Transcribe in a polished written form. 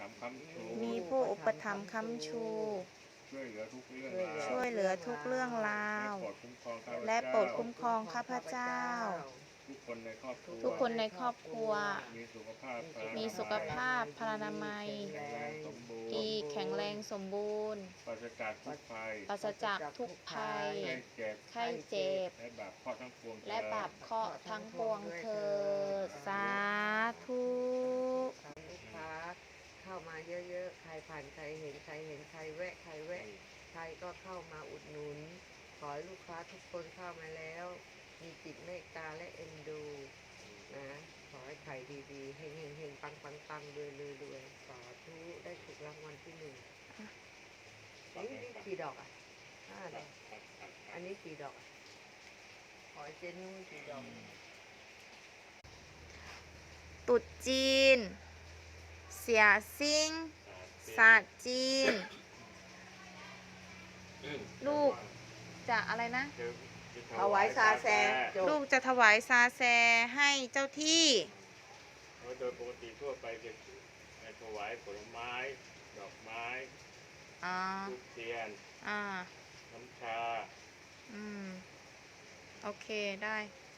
ถัมภ์ค้ำชูมีผู้อุปถัมภ์ค้ำชูช่วยเหลือทุกเรื่องราวช่วยเหลือทุกเรื่องราวและโปรดคุ้มครองข้าพและโปรดคุ้มครองข้าพเจ้าทุกคนในครอบครัวทุกคนในครอบครัวมีสุขภาพพลานามัยมีสุขภาพพลานามัยแข็งแรงสมบูรณ์ดีแข็งแรงสมบูรณ์ปราศจากทุกภัยปราศจากทุกภัยไข้เจ็บไข้เจ็บและบาปเคราะห์ทั้งปวงและบาปเคราะห์ทั้งปวงเถิดสาธุลูกค้าเข้ามาเยอะๆ ใครผ่านใครเห็นใครแวะใครก็เข้ามาอุดหนุน ขอให้ลูกค้าทุกคนเข้ามาแล้ว มีจิตเมตตาและเอ็นดูนะขอให้ขายดีๆเฮงๆปังๆรวยๆสาธุได้ถูกรางวัลที่1นี่กี่ดอกอ่ะ5 ดอกอันนี้กี่ดอกอ่ะขอเจนุ่งกี่ดอกตรุษจีน เสียซิ่งศาสตร์จีน ลูกจะอะไรนะถวายซาแซจบลูกจะถวายซาแซให้เจ้าที่โดยปกติทั่วไปจะถวายผลไม้ ดอกไม้อ่าธูปเทียนอ่าน้ำชาโอเคได้